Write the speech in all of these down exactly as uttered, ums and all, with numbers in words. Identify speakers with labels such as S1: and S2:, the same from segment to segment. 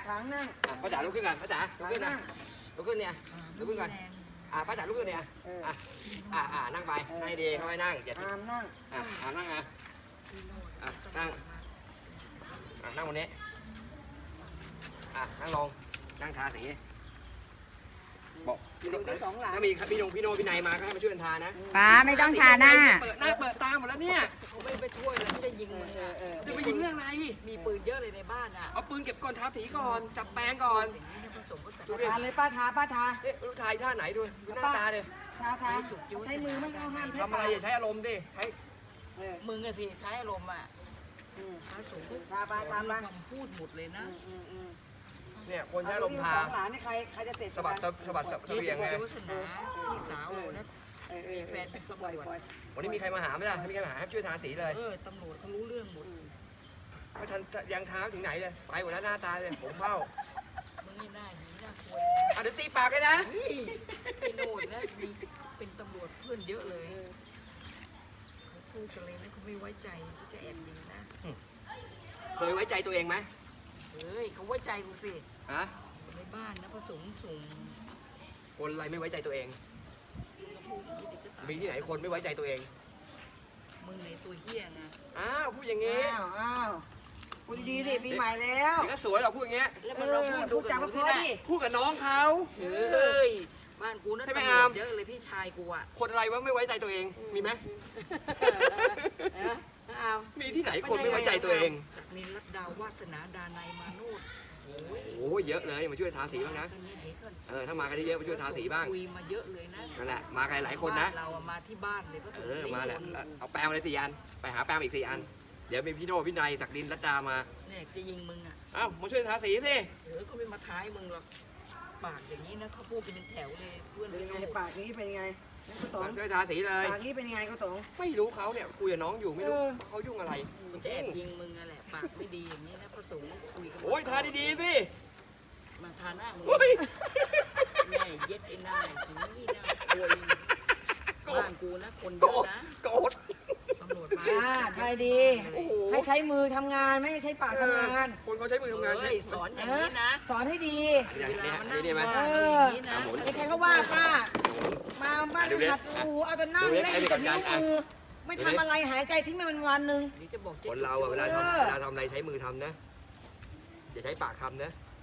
S1: ทางนั่ง
S2: อ่ะป้าจ๋าลุกขึ้นกันป้าจ๋าลุกขึ้นนะลุกขึ้นเนี่ยลุกขึ้นกันอ่ะป้าจ๋าลุกขึ้นเนี่ยอ่ะอ่ะอ่ะนั่งไปให้ดีเขาให้นั่งอย่า
S1: อามนั่ง
S2: อ่ะอ่ะนั่งนะอ่ะนั่งอ่ะนั่งบนนี้อ่ะนั่งลงนั่งทาสีบอกพี่โนถ้ามีพี่นงพี่โนพี่นายมาก็ให้มาช่วยกันทานะ
S3: ป้าไม่ต้องทาหน้า
S2: เปิดหน้าเปิดตาหมดแล้วเนี่ย
S4: เขาไม่ไปช่วยเลยไม่ได้ยิงมึงอ่ะ
S2: จะไปยิงเรื่องอะไร
S4: มีปืนเยอะเลยในบ้านอ่ะ
S2: เอาปืนเก็บก่อนทาสีก่อนจับแปรงก่อน
S4: อย่างนี้เนี่ยผสมผสาน
S2: ดูดิ
S1: ทาเลยป้าทาป้าทา
S2: เอ๊ะลูกชายท่าไหนดูดูหน้าตาเลย
S1: ทาทาใช้มือไม่เอาห้ามใช้
S2: ทำอะไร
S1: ปาก
S2: อย่าใช้อารมณ์ดิใช้
S1: เออ
S4: มึงอะสิใช้อารมณ์อ่ะ
S1: อืม
S4: พระสงฆ์
S1: ทาไปทาไป
S4: คำพูดหมดเลยนะ
S1: อืมอืมอืม
S2: เนี่ยคนใช้อารมณ์ทา
S1: สองหลานนี่ใครใครจะเสร็จ
S2: สะบัดสะบัดสะเบียงไง
S4: วัฒนาพี่สาวนะ
S1: เออเออ
S4: แฟนเป็นตำรวจ
S2: วันนี้มีใครมาหาไหมล่ะมีใครมาหาให้ช่วยทาสีเลย
S4: เออตำรวจเขารู้เรื่องหมด
S2: ไม่ทันยังท้าถึงไหนเลยไปหมดแล้วหน้าตาเลยผมเข้า
S4: มึงนี่หน้าหีหน้าควย
S2: อ่ะเดี๋ยวตีปากเลยนะ
S4: เฮ้ยพี่โน่นนะมีเป็นตำรวจเพื่อนเยอะเลยเขาพูดกันเลยนะเขาไม่ไว้ใจเขาจะแอบยิงนะ
S2: เคยไว้ใจตัวเองไหม
S4: เฮ้ยเขาไว้ใจกูสิ
S2: ฮะ
S4: ในบ้านนะผสมสูง
S2: คนอะไรไม่ไว้ใจตัวเอง
S4: พูดอย่างนี้เด็กก็ตาย
S2: มีที่ไหนคนไม่ไว้ใจตัวเอง
S4: มึงในตัวเฮี้ยนะ
S2: อ้าวพูดอย่างงี้
S1: อ้าวอ้าวพูดดีๆดิปีใหม่แล้ว
S2: เดี๋ยวก็สวยหรอกพูดอย่างเงี้ย
S4: แล้ว
S1: เอ
S4: มันเรา
S1: อ
S4: พูด
S1: พู
S4: ดู
S1: ด
S4: กั
S1: จา
S4: บ
S1: ก
S4: หนู
S1: พอ
S4: ที่ไหน
S1: ดิ
S2: พูดกับน้องเขา
S4: เฮ้ยบ้านกูนะ
S2: ใช่ไหม
S4: ตำร
S2: อาว ม
S4: จเยอะเลยพี่ชายกูอ่ะ
S2: คนอะไรวะไม่ไว้ใจตัวเอง มีไหม
S1: เอออ้าว
S2: มีที่ไหนคนไม่ไว้ใจตัวเอง
S4: ศักดินรัตดาวาสนาดานายมาโนดโอ้ย
S2: โอ้ยเยอะเลยมาช่วยทาสีบ้างนะ
S4: ตอนนี้เดี๋ยวก่อน
S2: เออถ้ามากันเยอะๆมาช่วยทาสีบ้าง
S4: คุยมาเยอะเลยนะ
S2: นั่นแหละมากันหลายคนนะ
S4: บ้าเราอะมาที่บ้านเลยพระส
S2: เอง
S4: ฆ์
S2: อ
S4: สี่
S2: มาแหละ
S4: คน
S2: เอาแปรงมาเลยสี่อันไปหาแปรงมาอีกสี่อัน เดี๋ยวมีพี่โน่พี่นายศักดินรัตดามา
S4: เนี่ยจะยิงมึงอ่ะ
S2: เอ้ามาช่วยทาสีสิ
S4: เออเขาไม่มาท้ายมึงหรอกปากอย่างนี้นะเขาพูดเป็นแถวเลยเพื่อน
S1: เป็น
S4: พี่
S1: ไง
S4: โน่
S1: ปากนี้เป็นไงกุต๋อง
S2: มาช่วยทาสีเลย
S1: ปากนี้เป็นไงกุต๋อง
S2: ไม่รู้เขาเนี่ยคุยกับน้องอยู่ไม่รู้
S1: เออ
S2: เขายุ่งอะไร
S4: มันจะแอบยิงมึงอะแหละปากไม่ดีอย่างนี้นะพระสงฆ์คุยกัน
S2: โอ้ยทาดีๆสิ
S4: มาทาหน้ามึง
S2: โอ้ย
S4: แม่เย็ดไอ้หน้าถึงนี่นะควยบ้านกูนะคนเย
S2: โกร
S4: อะ
S2: ธ
S4: นะ
S2: โกรธ
S4: ตำรวจมา
S1: อ่าใช่ดี
S2: โอ้โห
S1: ให้ใช้มือทำงานไม่ให้ใช้ปากทำงาน
S2: คนเขาใช้มือทำงาน
S4: เฮ้ยสอนอย่างนี้นะ
S1: สอนให้ดี
S2: อัน
S4: เว
S2: นี้
S4: ลา
S2: อัน
S4: มัน
S2: นี้
S4: นั่ง
S2: อันนี้ไหม
S4: ว่า
S1: เอ
S4: อ
S1: อ
S4: ย่างนี้นะ
S2: อ่ะหมุน
S1: ไอ้ใครเขาว่าป้ามาบ้าน
S2: ดูดิ
S1: หัดหูเอาแต่นั่ง
S2: ดูดิ
S1: เล่น
S2: ให้ดู
S1: แต่
S2: กั
S1: นิ้
S2: น
S1: ว
S2: อ่ะ
S1: มือไม่ทำอะไรหายใจทิ้งไปมันวันหนึ่ง
S4: เดี๋ยวจะบอกเจ๊
S2: คนเราอะเวลา
S1: เอ
S2: ทำ
S1: อ
S2: เวลาทำอะไรใช้มือทำนะอย่าใช้ปากทำนะ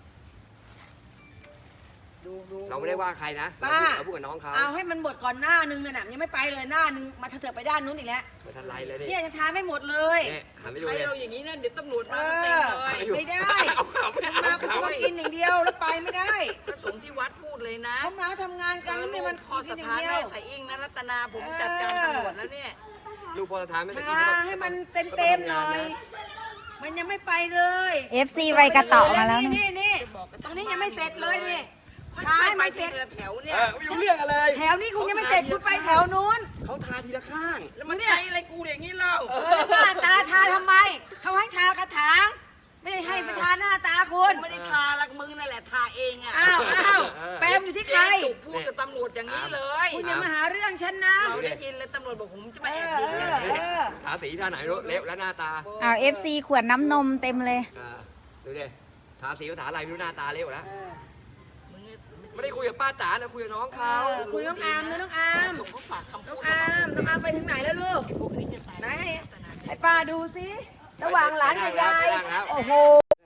S1: ดูดู
S2: เราไม่ได้ว่าใครนะเรา
S1: ป้า
S2: พูดเราพูดกับน้องเขา
S1: เอาให้มันหมดก่อนหน้านึงน่ะยังไม่ไปเลยหน้านึงมาเถอะไปด้านนู้นอีกแล้ว
S2: ไม่ทันไรเลยดิ
S1: เนี่ยยังทานไม่หมดเลย
S2: เนี่ยหันไปดู
S4: ใช้
S2: เลย
S4: เราอย่างนี้นะเดี๋ยวตำรวจ
S1: เอ
S4: มาเต็ม
S1: อ
S4: เลย
S1: ไม่ได้
S2: เอาเขาไม่
S1: มา
S2: เอา
S1: คุณ
S2: เขา
S1: ต้องกินอย่างเดียวแล้วไปไม่ได้
S4: พระสงฆ์ที่วัดพูดเลยนะ
S1: เขามาทำงานกันแล้วเนี่ยมัน
S4: คอ
S1: กิ
S4: ส
S1: นอย่า
S4: ถาง น
S1: เดีย
S4: แม่
S1: ว
S4: สายอิงนะรัตนาผมจัดการตำรวจแล้วเนี่ย
S2: ลูกพอสถานไม่ได้กิน
S1: ทา
S2: ก็ต้อง
S1: ให้มันเต็มเต็มๆหน่อย มันยังไม่ไปเลย
S3: เอฟ ซี ไวกระเต่อมาแล้ว
S1: นี่
S3: นี่
S1: นี่นี่
S4: จะบอกกัน
S1: ตรงนี้ยังไม่เสร็จเลยนี่
S4: ค่
S1: ทา
S4: อย
S1: ให้
S4: ๆไป
S1: มันเส
S4: ที
S1: ร็จ
S4: ละแถว
S2: เอ
S4: เนี่ย
S2: อไม่รู้เรื่องอะไร
S1: แถวนี้คุณยังไม่เสร็จคุณไปแถวนู้น
S2: เขาทาทีละข้าง
S4: แล้วมันใช้อะไรกูอย่างนี้เล่า
S1: เออหน้าตาทาทำไม เขาให้ทากระถาง ไม่ได้ให้ประทาหน้าตาคุ
S4: คุณ ณไม่ได้ทาละมึงนั่นแหละทาเองอ่ะ
S1: อ้าวอ้าวแปมอยู่ที่ใคร
S4: เจ๊จุกพูดกับตำรวจอย่างนี้เลย
S1: คุณอย่ามาหาเรื่องฉันนะ
S4: เราได้ยินเลยตำรวจบอกผมจะ
S1: เอ
S4: มาแอบ
S1: อ
S4: ยิง
S1: เอ
S4: เนี่ย
S1: อเออ
S2: ทาสีท่าไหนรู้เล็บและหน้าตา
S3: เอาเอฟซี ขวดน้ำนมเต็มเลย
S2: อ่าดูดิทาสีภาษาอะไรไม่รู้หน้าตาเล็บแล้ว
S4: มึงเนี่ย
S2: ไม่ได้คุยกับป้าจ๋านะคุยกับน้องเขา
S1: คุณน้องอามนะน้องอาม
S4: ส่งเขาฝากคำ
S1: น้
S4: พู
S1: อง
S4: ด
S1: อามน้องอามไปถึงไหนแล้วลูก
S4: พวกนี้จะตาย
S1: ไหนให้ป้าดูสิระหว่างหลานกับยาย โอ้โห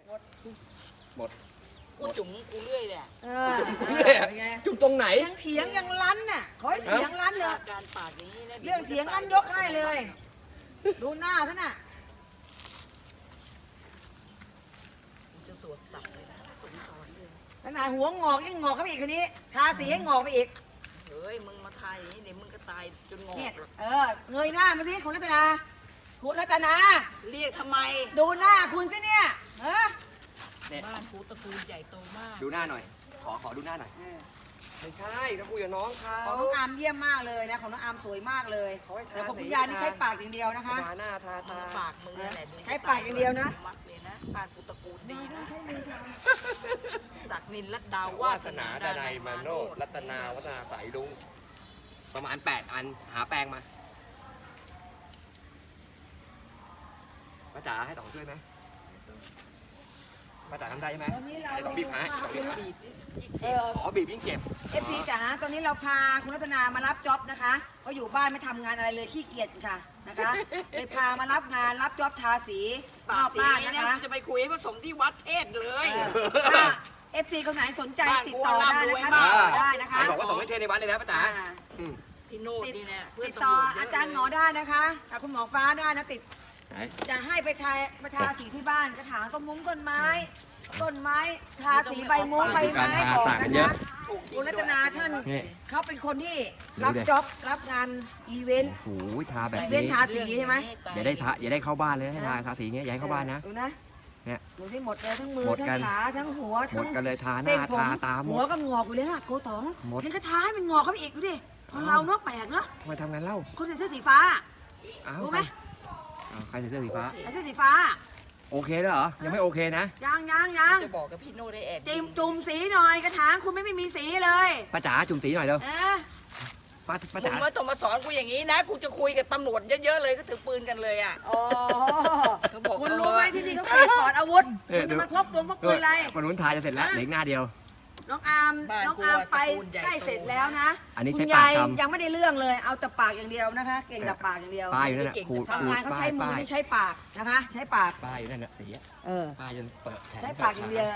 S4: กูจุ๋มกูเรื่อยแหละ
S1: เออ
S2: เนี่ยจุ่มตรงไหน
S1: ยังเถียงยังรั้นน่ะ ขอให้เถียงรั้นเลย
S4: การปากอย่างนี้นะ
S1: เรื่องเถียงรั้นยกให้เลย ดูหน้าซะน่ะ
S4: จะสวดสับเลยนะผมสอนเลย
S1: ขนาดหัวงอกยังงอกเข้าไปอีกคนนี้ ทาสีให้งอกไปอีก
S4: เฮ้ยมึงมาทายอย่างนี้เดี๋ยวมึงก็ตายจนงอ
S1: เนี่ย
S4: กหรอก
S1: เออ เงยหน้ามาสิคุณรัตนาคุณรัตนา
S4: เรียกทำไม
S1: ดูหน้าคุณสิเนี่ยเออ
S2: เนี่ย
S4: บ้านกูตระกูลใหญ่โตมาก
S2: ดูหน้าหน่อย ขอขอดูหน้าหน่อย ไม่ใช่ก็คุยกับน้องเขา
S1: ของน้องอามเยี่ยมมากเลยนะ ของน้องอามสวยมากเลย
S2: เขาให้ทา
S1: แต่ของ
S2: สี
S1: คุณยายนี่ใช้ปากอย่างเดียวนะคะ
S2: ทาหน้าทาตา
S4: ปากมึงนี่แหละ
S1: ใช้ปากอย่างเดียวนะ
S4: มัดเลยนะบ้านกูตระกูลดีนะศักดินรัตดาวาว
S2: า
S4: ส
S2: ส
S4: นา
S2: นา
S4: ดา
S2: ดา
S4: นั
S2: นั
S4: ย
S2: ย
S4: มา
S2: มา
S4: โน
S2: โน
S4: ด
S2: รัตนาวัฒนาสายลุงประมาณแปดอัน หาแปลงมาป้าจ๋าให้ต่องช่วยไหมป้าจ๋าทำได้ใช่ไหม
S1: ตอนนี้เรา
S2: ไอ้ต้องบีบหาต้องบีบหา
S1: เออ
S2: อ๋อบีบยิ่งเจ็บ
S1: เอฟซีจ๋าตอนนี้เราพาคุณรัตนามารับจ็อบนะคะเขาะอยู่บ้านไม่ทำงานอะไรเลยขี้เกียจค่ะนะคะเลยพามารับงานรับจ็อบทาสีน
S4: ปา
S1: อก ก
S4: สี
S1: บ้าน
S4: เนี่
S1: นะ
S4: ย
S1: คะ
S4: จะไปคุยให้ผสมที่วัดเทศเลย
S1: ถ้าเอฟซีคนไหนสนใจติดต่อได้นะคะติดต่อได้นะคะ
S2: ไหนบอกว่าส่งให้เทในวัดเลยนะป้าจ๋า
S1: อ่า
S2: อืม
S4: พี่โนดนี่เนี่ยเพื่อน
S1: ติด
S4: ตำ
S1: ต่อ
S4: รวจเย
S1: อา
S4: อะ
S1: จารย์หมอได้นะคะกับคุณหมอฟ้าได้นะติด
S2: ไหน
S1: จะให้ไปทาไปทาสีที่บ้านกระถางต้นมุ้งต้นไม้ ต้นไม้ทาสีใบมุ้งใบไม้ออกนะคะคุณรัตนาท่าน
S2: นี่
S1: เขาเป็นคนที่รับจ็อบรับงานอีเวนต์
S2: โอ้โหทาแบบ
S1: อีเวน
S2: นี้
S1: ต์ทาสีใช่ไหม
S2: อย่าได้ทาอย่าได้เข้าบ้านเลยให้ทาทาสีเงี้ยอย่าให้เข้าบ้านนะ
S1: ดูนะ
S2: เนี่ย
S1: ดูที่หมดเลยทั้งมือ
S2: หมด
S1: ทั้ง
S2: กัน
S1: ขาทั้งหัว
S2: หม
S1: ทั้
S2: ด
S1: ง
S2: กันเลยทาห
S1: เส้
S2: น้าน
S1: ผม
S2: ทาตาหม
S1: หัว
S2: ด
S1: ก็งอกอยู่เลยอะโกตอง
S2: หมด
S1: นี่ก็ท้ายมันงอกเข้าไปอีกดูดิคนเราเนาะแปลกเนาะ
S2: ทำไมทำงานเล่า
S1: คนใส่เสื้อสีฟ้า
S2: อ้าว
S1: รู้ไหม
S2: อ้าวใครใส่เสื้อสีฟ้า
S1: ใส่เสื้อสีฟ้า
S2: โอเคแล้วเหรอ ยังไม่โอเคนะ
S1: ยังยังยัง
S4: จะบอกกับพี่โนดได้แอบ
S1: จิมจุ่มสีหน่อยกระถางคุณไม่ไม่มีสีเลย
S2: ป้าจ๋าจุ่มสีหน่อยเร็ว
S1: เออ
S2: ป้าป้า
S4: มึ
S2: จ๋าง
S4: มาต้องมาสอนกูอย่างนี้นะ กูจะคุยกับตำรวจเยอะๆเลยก็ถือปืนกันเลยอ่ะ
S1: โอ้
S4: เขาบอก
S1: คุณรู้ไหมที่นี่เขาเปิดปลอดอาวุธคุณจะมาพกปืนพกปืนอะไร
S2: คนนู้นทาจะเสร็จแล้วเหลืออีกหน้าเดียว
S1: น้องอาร์ม
S4: บ้าน
S1: น้อง
S4: กู
S1: อาร์ม
S4: อะ
S1: ไป
S4: ตระกูลใหญ่
S1: ใกล้
S4: โต
S1: เสร็จแล้วนะ
S2: อันนี้
S1: คุ
S2: ใช้
S1: ณ
S2: ปาก
S1: ยาย
S2: ทำ
S1: ยังไม่ได้เรื่องเลย เอาแต่ปากอย่างเดียวนะคะ เก่งแต่ปากอย่างเดียว
S2: ป้ายอยู่นั่นน่ะขูดขู
S1: ทำ
S2: ด
S1: งานเขา
S2: ป้า
S1: ใช้
S2: ย
S1: มือ
S2: ป้าย
S1: ไม่ใช้ปากนะคะ ใช้ปาก
S2: ป้ายอยู่นั่นน่ะสีอะ
S1: เออ
S2: ป้ายจนเปิดแขน
S1: ใช้ปากอย่างเดียว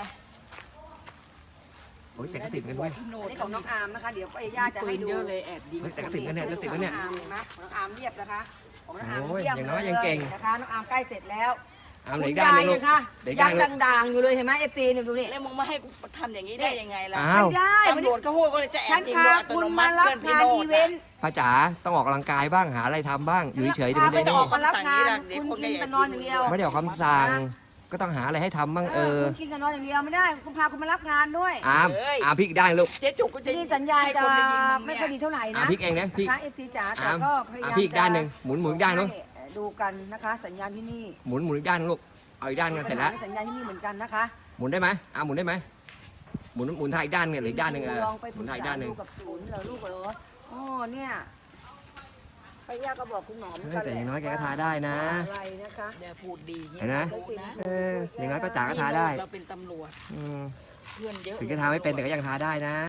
S2: โอ้ยแต่ก็ติดกันด้วย
S4: พี่โน
S1: อัน
S4: ด
S1: นี้ของน้องอาร์มนะคะ เดี๋ยวป้าย่าจะ
S4: ปื
S1: ให้
S4: น
S1: ดู
S4: เยอะเลยแอบยิง
S2: เฮ้ยแต่ก็ติดกันเนี่ยจะติดกันเนี่ย
S1: ขององอาร์มเห็นไหมของน้องอาร์มเรียบนะคะของน้องอาร์ม
S2: โอ้ย
S1: เยี่ยม
S2: อย่างน้อย
S1: เล
S2: ยังเก่ง
S1: นะคะ น้องอาร์มใกล้เสร็จแล้ว
S2: เอาเหลือ
S1: คุ
S2: อี
S1: ณ
S2: กด้าน
S1: ยา
S2: หนึ
S1: ย
S2: งลู
S1: ยั
S2: ก
S1: งค่ะ
S2: เหลืออีก
S1: ยั
S2: ด้าน
S1: ง
S2: หนึง
S1: ด่างๆอยู่เลยเห็นไหมเอฟซีเนี่ยดูนี่
S4: แล้วมึงมาให้กูทำอย่างนี้ได้ยังไงล่ะ
S2: อ้าว
S1: ไม่ได้
S4: ตำรวจเขาพูดก็เลยจะแอ
S1: ฉั
S4: บ
S1: น
S4: ยิง
S1: พา
S4: โดยอัต
S1: คุณ
S4: โนมั
S1: มา
S4: ติ
S1: รับ
S4: เพื่อนพี่
S1: งาน
S4: โน
S1: อี
S4: ด
S1: เวนต์
S2: ป้าจ๋าต้องออกกำลังกายบ้างหาอะไรทำบ้างอยู่เฉยๆ
S1: พา
S2: เดี๋ยว
S1: ไป
S2: ไม่
S1: อ
S2: ได้
S1: อกมารับงานคุณกินแต่นอนอย่างเดียว
S2: ไม่ได้ออกคำสั่งก็ต้องหาอะไรให้ทำบ้างเออ
S1: คุณกินแต่นอนอย่างเดียวไม่ได้คุณพาคุณมารับงานด้วย
S2: อามอามพริกได้ลูก
S4: เจ๊จุกก็จะ
S1: ที่สัญญาณ
S4: ให้
S1: จะ
S4: คนไปยิงมึง
S1: ไม่
S4: เนี่ย
S1: ค่อยดีเท่าไหร่
S2: อา
S1: นะ
S2: มพริกเองนะพริก
S1: นะคะเอฟซีจ๋าแต่
S2: อาม
S1: ก็พยายาม
S2: อ่ะพริกด้านหนึ่งหมุนหมุนด้านเนอะ
S1: ให้ดูกันนะคะ สัญญาณที่นี่
S2: หมุนหมุนอีกด้านหนึ่งลูกเอาอีกด้านกันเสร็จแล้ว
S1: สัญญาณที่นี่เหมือนกันนะคะ
S2: หมุนได้ไหมอามหมุนได้ไหมหมุนหมุนทางอีกด้านหนึงหรืออีกด้านหนึ่งเออ
S1: ลองไป
S2: ห
S1: ป
S2: มุ
S1: รึ
S2: น
S1: ก
S2: ทางอีก
S1: ษา
S2: ด้านหนึ่ง
S1: ดูกับศูนย์เหรอลูกเหรออ๋อเนี่ยพยาก็บอกคุณหมอเหมือน
S2: เฮ้
S1: กั
S2: ย
S1: น
S2: แต่อย่างน้อยแกก็
S1: ว่า
S2: ทาได้นะ
S1: อะไรนะคะ
S4: เดี๋ยวพูดดีอย่าง
S2: เห็นไหม
S4: โดนะ
S2: เอออย่างน้อยป้าจ๋าก็ทาได้
S4: เราเป็นตำรวจ
S2: อืม
S4: เพื่อนเยอะ
S2: ถึงจะทาไม่เป็นแต่ก็ยังทาได้นะ